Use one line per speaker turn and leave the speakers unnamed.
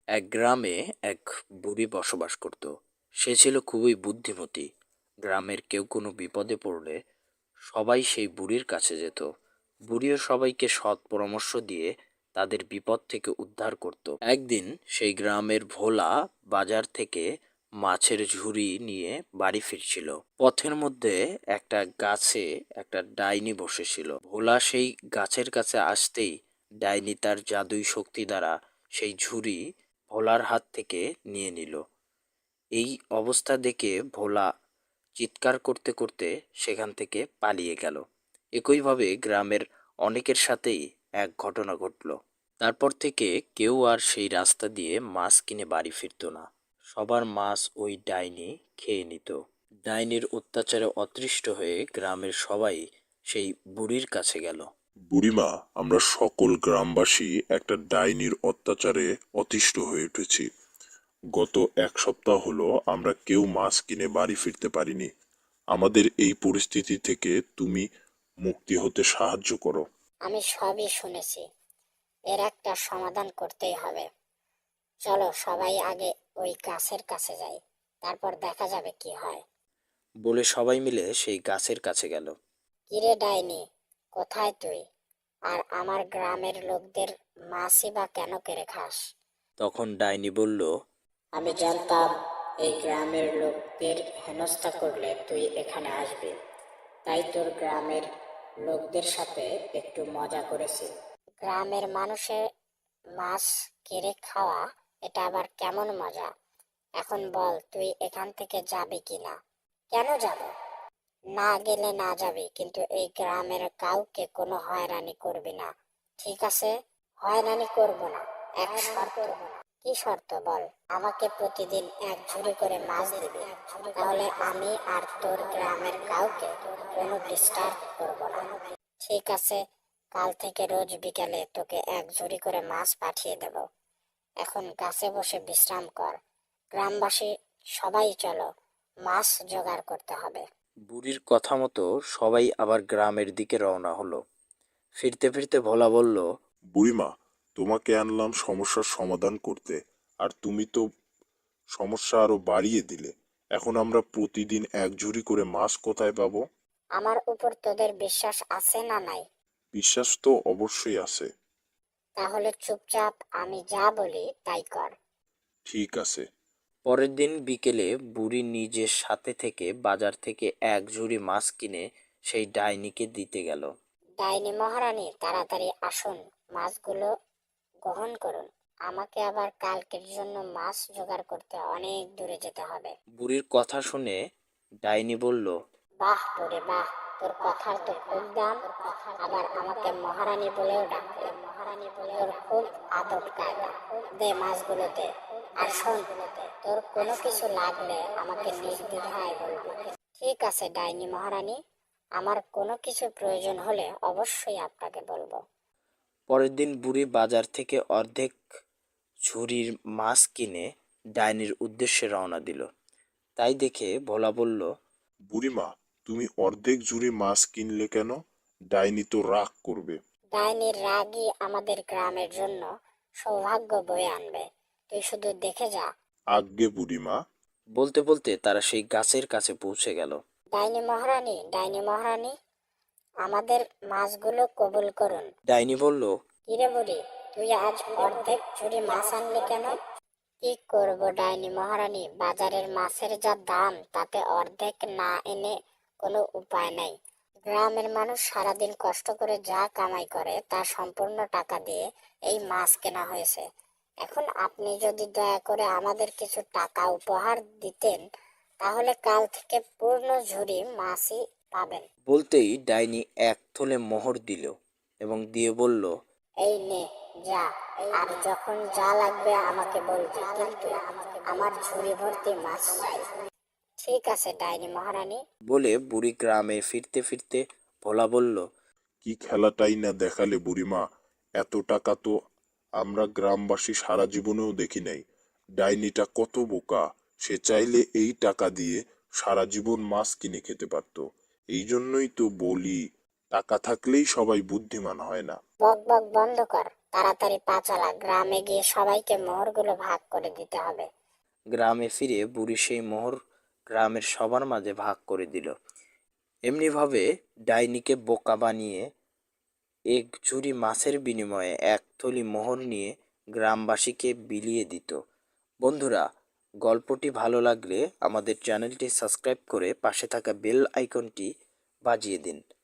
এক গ্রামে এক বুড়ি বসবাস করত। সে ছিল খুবই বুদ্ধিমতী। গ্রামের কেউ কোনো বিপদে পড়লে সবাই সেই বুড়ির কাছে যেত। বুড়িও সবাইকে সৎ পরামর্শ দিয়ে তাদের বিপদ থেকে উদ্ধার করত। একদিন সেই গ্রামের ভোলা বাজার থেকে মাছের ঝুড়ি নিয়ে বাড়ি ফিরছিল। পথের মধ্যে একটা গাছে একটা ডাইনি বসেছিল। ভোলা সেই গাছের কাছে আসতেই ডাইনি তার জাদুই শক্তি দ্বারা সেই ঝুড়ি ভোলার হাত থেকে নিয়ে নিল। এই অবস্থা দেখে ভোলা চিৎকার করতে করতে সেখান থেকে পালিয়ে গেল। একইভাবে গ্রামের অনেকের সাথেই এক ঘটনা ঘটল। তারপর থেকে কেউ আর সেই রাস্তা দিয়ে মাছ কিনে বাড়ি ফিরতো না। সবার মাছ ওই ডাইনি খেয়ে নিত। ডাইনির অত্যাচারে অতৃষ্ট হয়ে গ্রামের সবাই সেই বুড়ির কাছে গেল।
বুড়িমা, আমরা সকল গ্রামবাসী একটা ডাইনির অত্যাচারে অতিষ্ঠ হয়ে উঠেছি। গত এক সপ্তাহ হলো আমরা কেউ মাছ কিনে বাড়ি ফিরতে পারিনি। আমাদের এই পরিস্থিতি থেকে তুমি মুক্তি হতে সাহায্য করো।
আমি সবই শুনেছি, এর একটা সমাধান করতেই হবে। চলো সবাই আগে ওই গাছের কাছে যাই, তারপর দেখা যাবে কি হয়।
বলে সবাই মিলে সেই গাছের কাছে গেল।
কিরে ডাইনি, কোথায় তুই? আর আমার গ্রামের লোকদের মাছই বা কেন কেড়ে খাস?
তখন ডাইনি বলল,
আমি জানতাম এই গ্রামের লোকদের হেনস্থা করলে তুই এখানে আসবি, তাই তোর গ্রামের লোকদের সাথে একটু মজা করেছি। গ্রামের মানুষের মাছ কেড়ে খাওয়া, এটা আবার কেমন মজা? এখন বল, তুই এখান থেকে যাবি কিনা? কেন যাব? না গেলে না যাবি, কিন্তু এই গ্রামের কাউকে কোনো হয়রানি করবি না, ঠিক আছে? হয়রানি করব না, এক শর্ত। কি শর্ত বল? আমাকে প্রতিদিন এক ঝুড়ি করে মাছ দিবি, তাহলে আমি আর তোর গ্রামের কাউকে কোনো ডিস্টার্ব করব না। ঠিক আছে, কাল থেকে রোজ বিকেলে তোকে এক ঝুড়ি করে মাছ পাঠিয়ে দেব। এখন গাছে বসে বিশ্রাম কর। গ্রামবাসী সবাই চলো, মাছ জোগাড় করতে হবে।
বুড়ির কথা মতো সবাই আবার গ্রামের দিকে রওনা হলো। ফিরতে ফিরতে ভোলা বলল,
বুড়িমা, তোমাকে আনলাম সমস্যার সমাধান করতে, আর তুমি তো সমস্যা আরো বাড়িয়ে দিলে। এখন আমরা প্রতিদিন এক ঝুড়ি করে মাছ কোথায় পাবো?
আমার উপর তোদের বিশ্বাস আছে না নাই?
বিশ্বাস তো অবশ্যই আছে।
তাহলে চুপচাপ আমি যা বলি তাই কর।
ঠিক আছে।
পরের দিন বিকেলে বুড়ি নিজের সাথে থেকে বাজার থেকে এক ঝুড়ি মাছ কিনে সেই ডাইনিকে দিতে গেল।
ডাইনি মহারানী, তাড়াতাড়ি আসুন, মাছগুলো গ্রহণ করুন। আমাকে আবার কালকের জন্য মাছ জোগাড় করতে অনেক দূরে যেতে হবে।
বুড়ির কথা শুনে ডাইনি বলল,
বাহ তোরে বাহ, তোর কথার তো খুব দাম। আবার আমাকে মহারানী বলেও ডাকলে। তোর খুব আদব কায়দা। দে মাছগুলো দে। আর শোন, তোর কোনো কিছু লাগলে আমাকে নির্দ্বিধায় বলবি। ঠিক আছে ডাইনি মহারানী, আমার কোনো কিছু প্রয়োজন হলে অবশ্যই আপনাকে বলবো।
পরের দিন বুড়ি বাজার থেকে অর্ধেক ঝুড়ির মাছ কিনে ডাইনির উদ্দেশ্যে রওনা দিল। তাই দেখে ভোলা বলল,
বুড়িমা, তুমি অর্ধেক ঝুড়ি মাছ কিনলে কেন? ডাইনি তো রাগ করবে।
ডাইনির রাগই আমাদের গ্রামের জন্য সৌভাগ্য বয়ে আনবে, তুই শুধু দেখে যা।
আজ্ঞে বুড়িমা।
বলতে বলতে তারা সেই গাছের কাছে পৌঁছে গেল।
ডাইনি মহারানী, ডাইনি মহারানী, আমাদের মাছগুলো কবুল করুন।
ডাইনি বলল,
কিরে বুড়ি, তুই আজ অর্ধেক ঝুড়ি মাছ আনলি কেন? কি করব ডাইনি মহারানী, বাজারের মাছের যা দাম তাতে অর্ধেক না এনে কোনো উপায় নাই। গ্রামের মানুষ সারাদিন কষ্ট করে যা কামাই করে তার সম্পূর্ণ টাকা দিয়ে এই মাছ কেনা হয়েছে। এখন আপনি যদি দয়া করে আমাদের কিছু টাকা উপহার দিতেন, তাহলে কাল থেকে পূর্ণ ঝুড়ি মাছই পাবেন।
বলতেই ডাইনি এক থলে মোহর দিল এবং দিয়ে বলল,
এই নে, যা। আর যখন যা লাগবে আমাকে বলবি, কিন্তু আমার ঝুড়ি ভর্তি মাছ চাই। ঠিক আছে ডাইনি মহারানী।
বলে বুড়ি গ্রামে ফিরতে ফিরতে ভোলা বলল,
কি খেলাটাই না দেখালে বুড়িমা! এত টাকা তো আমরা গ্রামবাসী সারা জীবনেও দেখি নাই। ডাইনিটা কত বোকা! সে চাইলে এই টাকা দিয়ে সারা জীবন মাছ কিনে খেতে পারতো। এই জন্যই তো বলি, টাকা থাকলেই সবাই বুদ্ধিমান হয় না।
বক বক বন্ধ কর, তাড়াতাড়ি পা চালা, গ্রামে গিয়ে সবাইকে মোহরগুলো ভাগ করে দিতে হবে।
গ্রামে ফিরে বুড়ি সেই মোহর গ্রামের সবার মাঝে ভাগ করে দিল। এমনিভাবে ডাইনিকে বোকা বানিয়ে এক ঝুড়ি মাছের বিনিময়ে এক থলি মোহর নিয়ে গ্রামবাসীকে বিলিয়ে দিত। বন্ধুরা, গল্পটি ভালো লাগলে আমাদের চ্যানেলটি সাবস্ক্রাইব করে পাশে থাকা বেল আইকনটি বাজিয়ে দিন।